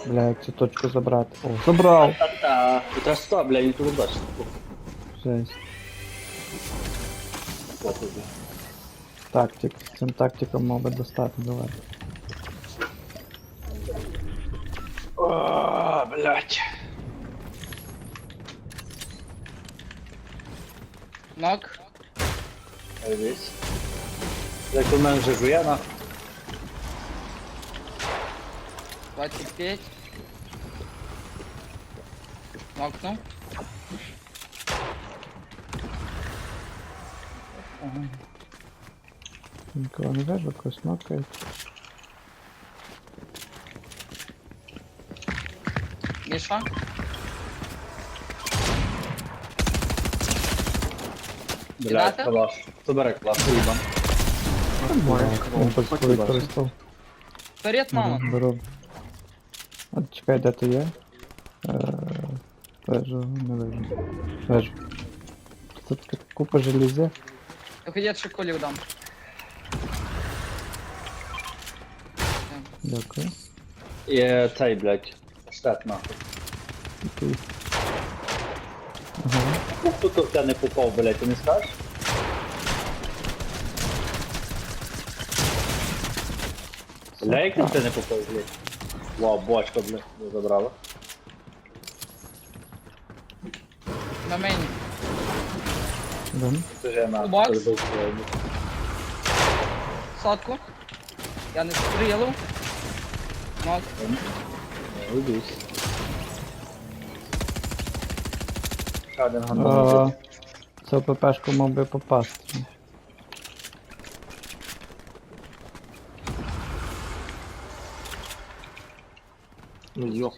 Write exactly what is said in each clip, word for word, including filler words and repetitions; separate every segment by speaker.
Speaker 1: Блядь, цю точку забрати. О, забрав!
Speaker 2: Та-та. Тут аж сто, бля, не туди бачиш.
Speaker 1: Жесть. Тактик. Цим тактиком мав би достати, давай.
Speaker 2: О, блядь.
Speaker 3: Нок.
Speaker 2: Дивись. Як у мене вже жує, на.
Speaker 3: двадцать пять. Нокнул.
Speaker 1: Нікого не вижу, когось нокають.
Speaker 3: Миша.
Speaker 2: Блядь,
Speaker 3: Кидати?
Speaker 2: калаш. Хто бере калаш? Уїбан.
Speaker 1: Він просто використав.
Speaker 3: Вперед, мама.
Speaker 1: Беру, беру. От чекай, де ти є? Е, Вежу, не вижу. Вежу. Тут така купа желізя.
Speaker 3: Я ще колів дам.
Speaker 1: Дякую.
Speaker 2: І цей, блядь. Штат, нахуй.
Speaker 1: Такий. Ага.
Speaker 2: Ну, хто тут в тебе не попав, блядь, ти не скажеш? Бля, як він в тебе не попав, блядь? Вау, бочка, блядь, не забрала.
Speaker 3: На мені.
Speaker 1: Дам.
Speaker 2: Це ж я на.
Speaker 3: Кубак.
Speaker 2: перебив свою.
Speaker 3: Сотку. Я не стрілив. Нок.
Speaker 2: Не уйдусь. Ще один
Speaker 1: А,
Speaker 2: гандон.
Speaker 1: Це ППшку мав би попасти.
Speaker 2: Ну йоп.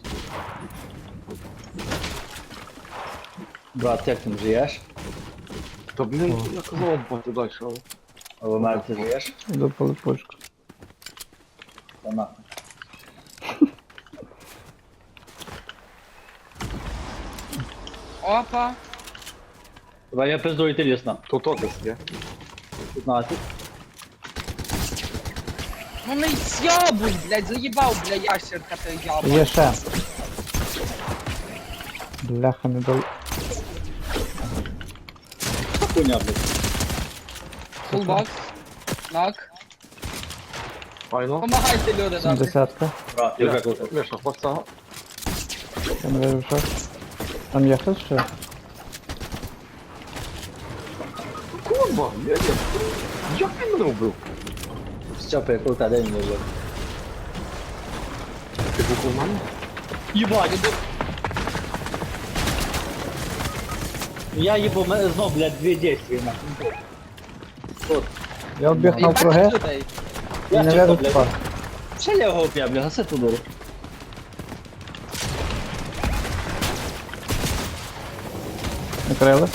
Speaker 2: Брат, як ти живеш?
Speaker 4: Та блін, я казав вам пати далі, але...
Speaker 2: А в мене ти живеш?
Speaker 1: Йду по липучку.
Speaker 2: Та нахуй.
Speaker 3: Опа.
Speaker 2: Давай я пиздую йти лісно.
Speaker 4: То то десь є.
Speaker 2: п'ятнадцять.
Speaker 3: Ну не з'ябуй, блядь, заїбав, бля, ящерка ти ябай.
Speaker 1: Є ще. Бляха, не дал.
Speaker 2: Хуйня, блядь.
Speaker 3: Фулбокс. Нок.
Speaker 4: Файно.
Speaker 3: Помагайте, люди, добре.
Speaker 1: Сімдесятка.
Speaker 2: Брат, я вже купив.
Speaker 4: Міша, хвоста.
Speaker 1: Я не вижу, що. Там є хтось ще?
Speaker 4: Курва, я є. Як він мене вбив?
Speaker 2: Стьопа, крута, де він є?
Speaker 4: Ти був у мене?
Speaker 2: Єбать! Я їбу, мене знов, блядь, дві дійстві нахуй. Тут.
Speaker 1: Я обіг
Speaker 3: Їбать
Speaker 1: навкруги
Speaker 3: людей.
Speaker 1: і
Speaker 2: Я
Speaker 1: не
Speaker 2: чекав,
Speaker 1: вижу
Speaker 2: блядь.
Speaker 1: спа.
Speaker 2: Ще я його п'я, бля, гаси ту дуру.
Speaker 1: Накрили.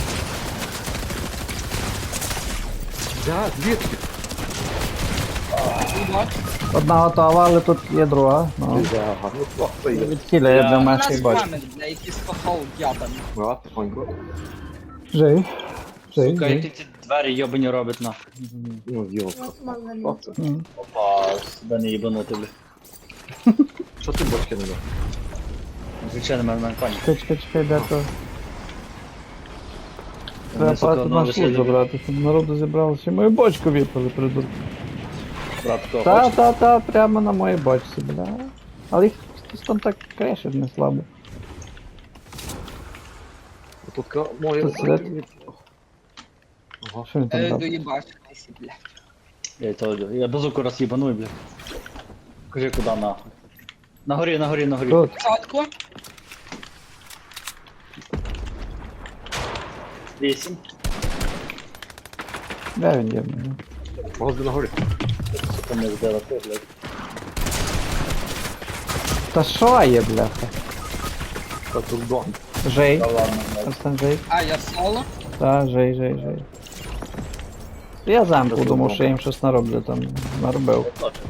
Speaker 4: Да, звідки?
Speaker 3: Фулбокс.
Speaker 1: Одна готова, але тут є друга. Ну,
Speaker 4: Ага, ну плохо є.
Speaker 1: відхиля, я
Speaker 2: Я-
Speaker 1: для
Speaker 3: У
Speaker 1: менший
Speaker 3: нас
Speaker 1: бачу.
Speaker 3: пам'ять, бля, якийсь хохол ябаний.
Speaker 4: Брат, тихонько.
Speaker 1: Жий. Жий,
Speaker 2: Сука, як
Speaker 1: жий.
Speaker 2: ти ці двері йобані робить нахуй.
Speaker 4: Ну, йолка. Що це?
Speaker 1: М.
Speaker 2: Опа, себе не їбанути, бля.
Speaker 4: Що ти бочки не дав?
Speaker 2: Звичайно, мене мене пані.
Speaker 1: Чекай, чекай, чекай, де то. Треба
Speaker 2: Вони, сука,
Speaker 1: пати
Speaker 2: ну,
Speaker 1: на
Speaker 2: лише
Speaker 1: суд
Speaker 2: любі.
Speaker 1: забрати, щоб народу зібралося. Мою бочку випали, придурки.
Speaker 2: Брат, хто
Speaker 1: Та,
Speaker 2: хоче?
Speaker 1: та, та, прямо на моїй бочці, бля. Але їх хтось там так крешить не слабо.
Speaker 4: Тут ка... моє...
Speaker 1: Тут сидить.
Speaker 4: Ага.
Speaker 1: Що він там
Speaker 3: Е,
Speaker 1: робить?
Speaker 3: доїбашкайся, бля.
Speaker 2: Я то йду. Я базуку раз їбаную, бля. Кажи, куди нахуй. На горі, на горі, на горі.
Speaker 1: Тут.
Speaker 3: Сотку.
Speaker 2: Вісім.
Speaker 1: Де він є? Блін?
Speaker 4: Возле на горі.
Speaker 2: Сука, не вдала ти, блядь.
Speaker 1: Та що є, бляха?
Speaker 4: Та тут дом.
Speaker 1: Жей.
Speaker 2: Та ладно, блядь.
Speaker 1: Ось жей.
Speaker 3: А, я соло.
Speaker 1: Та, жей, жей, жей. Я замку думав, що я їм щось нароблю там. Наробив.
Speaker 2: Точно.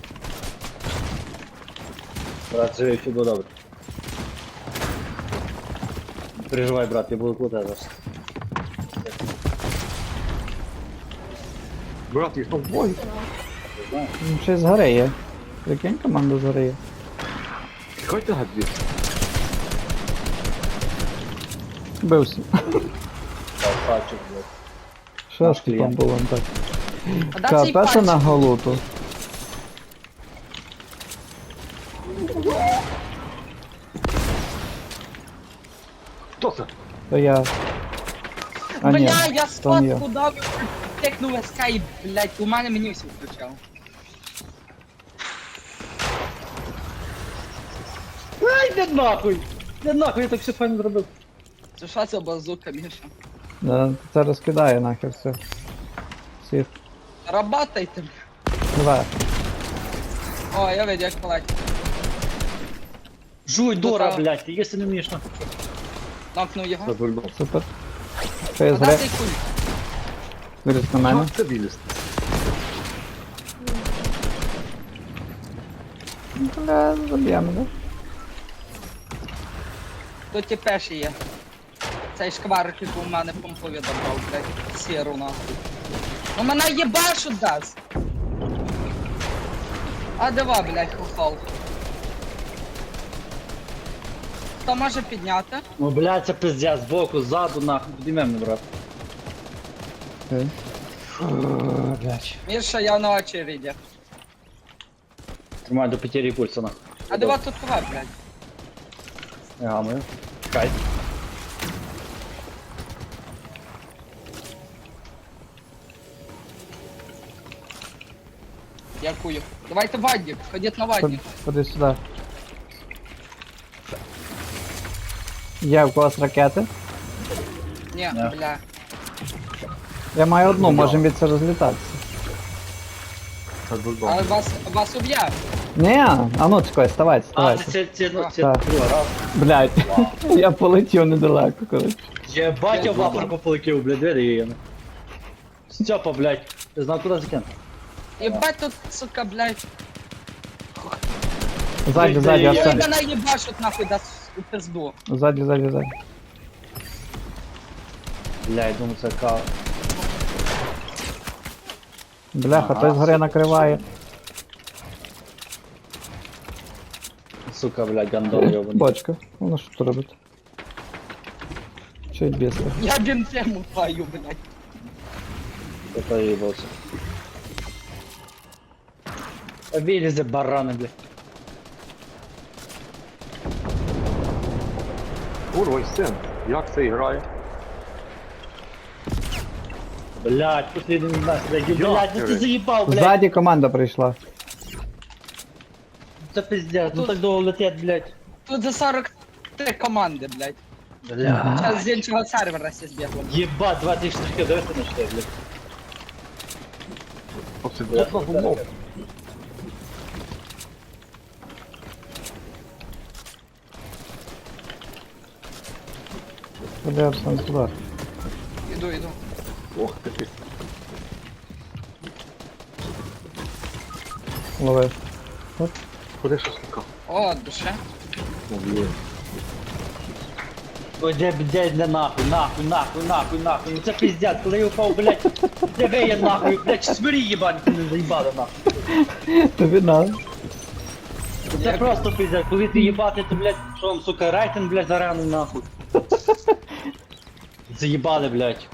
Speaker 2: Брат, живи, все буде добре. Не переживай, брат, я буду крутий зараз.
Speaker 4: Брат, їх там двоє.
Speaker 1: Ну, ще з гори є. Прикинь, команда з гори є.
Speaker 4: Тікайте гад звідси.
Speaker 1: Бився.
Speaker 2: Красавчик, блядь.
Speaker 1: Що
Speaker 2: Наш
Speaker 1: ж там
Speaker 2: клієнт.
Speaker 1: було так?
Speaker 3: А да цей
Speaker 1: Капець на
Speaker 3: пальчик.
Speaker 1: голуту.
Speaker 4: Хто це?
Speaker 1: То я. А ні,
Speaker 3: Бля, я
Speaker 1: то не я.
Speaker 3: спот куди тикнув ескейп, блядь, у мене меню все включав.
Speaker 2: Ай, де нахуй! Де нахуй, я так все файно зробив.
Speaker 3: Це що це базука, Міша?
Speaker 1: Да, Це розкидає нахер все. Всіх.
Speaker 3: Работайте.
Speaker 1: Давай.
Speaker 3: О, я видів, як палать.
Speaker 2: Жуй, Дора,
Speaker 3: та-
Speaker 2: блядь, ти якщо не вмієш на...
Speaker 3: Нокнув
Speaker 4: Це
Speaker 3: його.
Speaker 4: бульдог.
Speaker 1: Супер. Фейс
Speaker 3: А да
Speaker 1: гри.
Speaker 3: цей куль.
Speaker 1: Виріс на мене.
Speaker 4: Як це вилізти?
Speaker 1: Бля, заб'ємо, да?
Speaker 3: Тут ті перші є. Цей шквар, типу, у мене помпові добрав, блядь, сіру нахуй. Ну мене єбашут дасть. А дива, блядь, хохол. Хто може підняти?
Speaker 2: Ну, блядь, це пиздя, збоку, ззаду, нахуй, підіймемо, брат.
Speaker 1: Окей.
Speaker 2: Блядь.
Speaker 3: Міша, я на очереді.
Speaker 2: Тримай до потері пульса, нахуй.
Speaker 3: А дива тут кого, блядь?
Speaker 2: Не гамую. Чекай.
Speaker 3: Дякую. Давайте вадник, ходіть на вадник.
Speaker 1: Ходи сюди. Є в когось ракети?
Speaker 3: Ні,
Speaker 2: Ні.
Speaker 3: бля.
Speaker 1: Я маю одну, можемо від це розлітатися.
Speaker 4: Це бульдог.
Speaker 3: Але вас, вас уб'є.
Speaker 1: Ні, а ну чекай, вставайте,
Speaker 2: А,
Speaker 1: вставайте.
Speaker 2: це, це, ну, це,
Speaker 1: Так.
Speaker 2: друга раз.
Speaker 1: Блядь, я полетів недалеко, коротше.
Speaker 2: Єбать, я в лапарку полетів, блядь, двері її. Степа, блядь, ти знав, куди закинути?
Speaker 3: Єбать тут, сука, блядь.
Speaker 1: Ззаді, ззаді,
Speaker 2: Я
Speaker 3: Ой,
Speaker 1: Арсен.
Speaker 3: мене їбашуть нахуй дасть у пизду.
Speaker 1: Ззаді, ззаді, ззаді.
Speaker 2: Блядь, думаю, це кав.
Speaker 1: Бляха,
Speaker 2: Ага.
Speaker 1: той згори накриває.
Speaker 2: Сука, блядь, гандон йобаний.
Speaker 1: Бочка. Воно що тут робить? Чуть біска.
Speaker 3: Я бінтему твою, блядь.
Speaker 2: Це поїбався. Вилізе барани, блядь.
Speaker 4: Курва, син. Як це грає?
Speaker 2: Блядь, последний нас, блядь, блядь, ну ти
Speaker 4: Йохери.
Speaker 2: заїбав, блядь.
Speaker 1: Ззаді команда прийшла.
Speaker 2: Це пиздец, ну так довго летять, блядь.
Speaker 3: Тут за сорок три команди, блядь.
Speaker 2: Блядь.
Speaker 3: Зараз з іншого сервера сі збігло.
Speaker 2: Єбать, двадцять штуки, дивися на що, блядь.
Speaker 4: Оце бот на гумов.
Speaker 1: Куди Арсен сюди?
Speaker 3: Іду, іду.
Speaker 4: Ох ти.
Speaker 1: Лови.
Speaker 4: Ходи шашлика.
Speaker 3: О, душе.
Speaker 4: Ну, є.
Speaker 2: Ой, де, де, де нахуй, нахуй, нахуй, нахуй, нахуй. Ну це пиздец, коли я упав, блядь. Де ви є нахуй, блядь, смирі їбать, ти не заїбали нахуй.
Speaker 1: Тобі на.
Speaker 2: Це просто пиздец, коли ти їбати, то, блядь, що вам, сука, рейтинг, блядь, зараний нахуй. Заїбали, блядь.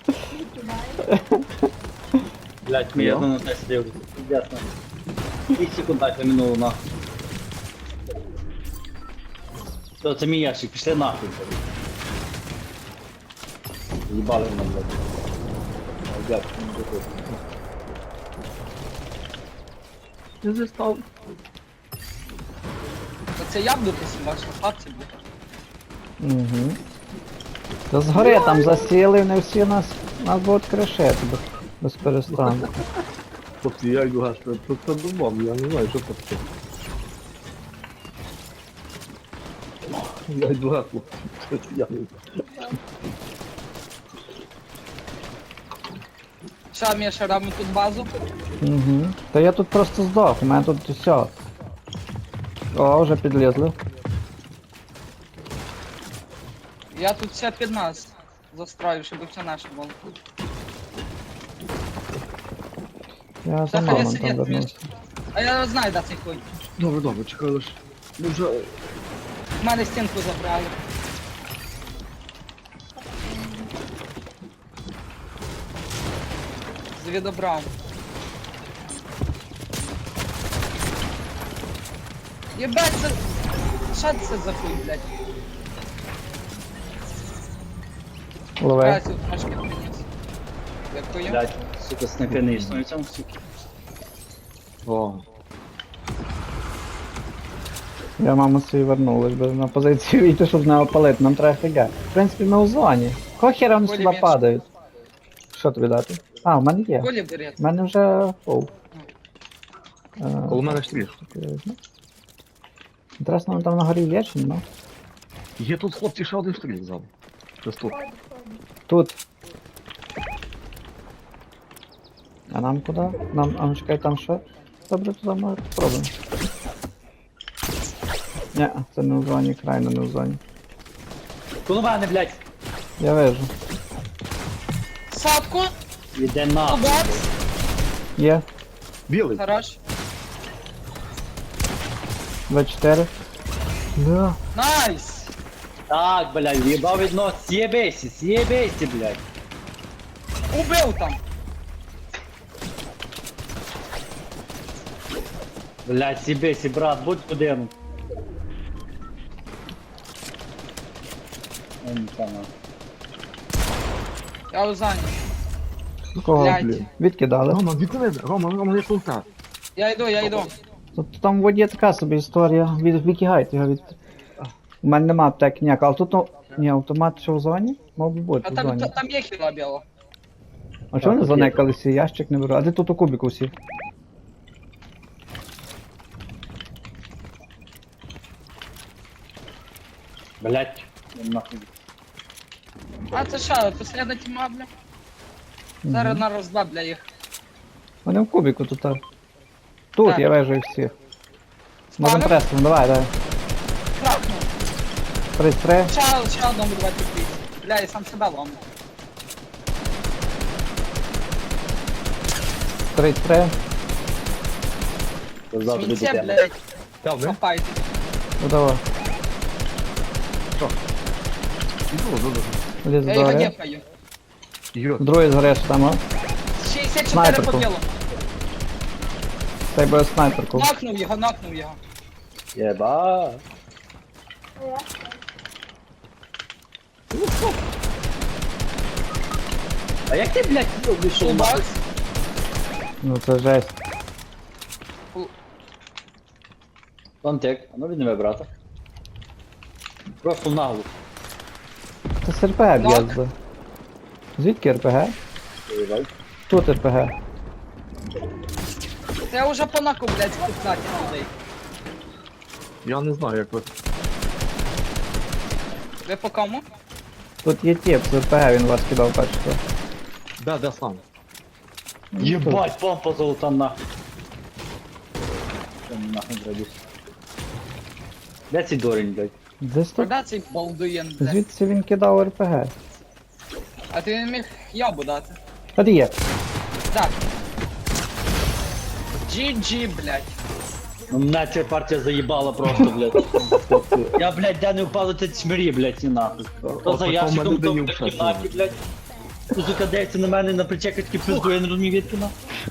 Speaker 2: Блядь, ми я на те сидів, пиздец, нахуй. І секунд так минуло, нахуй. Все, це мій ящик, пішли нахуй, блядь. Їбали мене, блядь. Ой, блядь, не дякую.
Speaker 4: Не застав.
Speaker 3: То це я буду посівати, що хлопці, блядь.
Speaker 1: Угу. Та згори там засіли, не всі нас, нас будуть кришити без, без перестанку.
Speaker 4: Хлопці, я йду гасти. Тут це думав, я не знаю, що це. Я йду гасти, хлопці. Я не знаю.
Speaker 3: Що, Міша, робимо тут базу?
Speaker 1: Угу. Та я тут просто здох, у мене тут все. О, вже підлізли.
Speaker 3: Я тут все під нас застрою, щоб все наше було.
Speaker 1: Я за
Speaker 3: Та хай
Speaker 1: мамом
Speaker 3: сидять,
Speaker 1: там вернувся.
Speaker 3: А я знаю, де цей хуй.
Speaker 4: Добре, добре, чекай лише. Ну вже...
Speaker 3: В мене стінку забрали. Звідобрав. Єбать, це... Що це за хуй, блядь?
Speaker 1: Лове.
Speaker 3: Працю трошки приніс. Дякую.
Speaker 2: Блядь, сука, снайпи не існує в цьому суки.
Speaker 4: О,
Speaker 1: Я маму свій вернулась, бо на позицію йти, щоб не опалити, нам треба фіга. В принципі, ми у зоні. Кого хера вони сюди
Speaker 3: Пулемет.
Speaker 1: падають? Що тобі дати? А, в мене є.
Speaker 3: Колі берет.
Speaker 1: У мене вже фул.
Speaker 4: коло мене стріж.
Speaker 1: Інтересно, там на горі є чи нема?
Speaker 4: Є тут хлопці ще один стріл ззаду. Щось тут.
Speaker 1: Тут. А нам куди? Нам, а ну чекай, там що? Добре, туди ми спробуємо. Ні, це не у зоні, крайно не у зоні.
Speaker 2: Коло мене, блядь.
Speaker 1: Я вижу.
Speaker 3: Садку.
Speaker 2: Іде нахуй.
Speaker 3: Бокс.
Speaker 1: Є.
Speaker 4: Білий.
Speaker 3: Хорош.
Speaker 1: двадцять чотири. Да.
Speaker 3: Найс.
Speaker 2: Так, блядь, їбав відно, с'єбейся, с'єбейся, блядь.
Speaker 3: Убив там.
Speaker 2: Блядь, с'єбейся, брат, будь один. Я не знаю.
Speaker 3: Я у зоні.
Speaker 1: Кого,
Speaker 3: Блядь.
Speaker 1: блін? Відкидали.
Speaker 4: Рома, відкидай, Рома, Рома, не пулта.
Speaker 3: Я йду, я йду.
Speaker 1: Тут там в воді така собі історія. Від, відкигайте його від... У мене нема аптеки ніякого, але тут, ну, ні, автомат що в зоні? Мав би бути
Speaker 3: А
Speaker 1: в
Speaker 3: там,
Speaker 1: зоні.
Speaker 3: та- там є хіла біла.
Speaker 1: А чого вони
Speaker 2: тут є.
Speaker 1: занекалися? Ящик не беру. А де тут у кубіку всі?
Speaker 2: Блядь, я нахуй.
Speaker 3: А це що, последня тіма, бля? Зараз на роздба, бля, їх.
Speaker 1: Вони в кубіку тут. а. Тут,
Speaker 3: Так.
Speaker 1: я вижу їх всіх. Можем
Speaker 3: Спалим?
Speaker 1: пресом, давай, давай.
Speaker 3: Крапну.
Speaker 1: тридцять три.
Speaker 3: Ще, ще одному давай підпись. Бля, я сам себе ломлю.
Speaker 1: тридцять три.
Speaker 2: Завтра
Speaker 3: Сміття,
Speaker 2: буде.
Speaker 3: блядь,
Speaker 4: Там, не?
Speaker 3: копайте.
Speaker 1: Ну давай.
Speaker 4: Іду, іду, іду.
Speaker 1: Ліз
Speaker 3: Я його
Speaker 1: догори.
Speaker 3: гепаю.
Speaker 4: Ігор,
Speaker 1: Другий згореш там, а?
Speaker 3: шістдесят чотири
Speaker 1: Снайперку.
Speaker 3: по білу.
Speaker 1: Цей буде снайперку.
Speaker 3: Нокнув його, нокнув його.
Speaker 2: Єба. А як ти, блядь, вийшов нахуй?
Speaker 3: Фулбокс.
Speaker 1: Ну це жесть.
Speaker 2: Контек, а ну відніме, брата. Просто нагло.
Speaker 1: Це з РПГ
Speaker 3: Нок.
Speaker 1: б'є. Звідки РПГ?
Speaker 2: Єбать.
Speaker 1: Тут РПГ.
Speaker 3: Я вже по наку, блядь, з пятнадцять людей.
Speaker 4: я не знаю, як ви.
Speaker 3: Ви по кому?
Speaker 1: Тут є тіп з РПГ, він вас кидав першого.
Speaker 4: Да, да, сам.
Speaker 2: Єбать, помпа золота нахуй. Що мені нахуй зробиш? Де цей дурень, блядь?
Speaker 1: Десь тут.
Speaker 3: Куда цей балдуєн, блядь?
Speaker 1: Звідси він кидав РПГ.
Speaker 3: А ти не міг ябу дати.
Speaker 1: От є.
Speaker 3: Так. джі джі, блядь.
Speaker 2: Ну мене ця партія заїбала просто, блядь. Я, блядь, де не впав до чмирі, блядь, і нахуй. То за
Speaker 4: От
Speaker 2: ящиком,
Speaker 4: такому
Speaker 2: то
Speaker 4: людині
Speaker 2: в
Speaker 4: в шаші.
Speaker 2: кімнаті, блядь. Тут сука дається на мене на причеках такі пизду, я не розумію відки нахуй.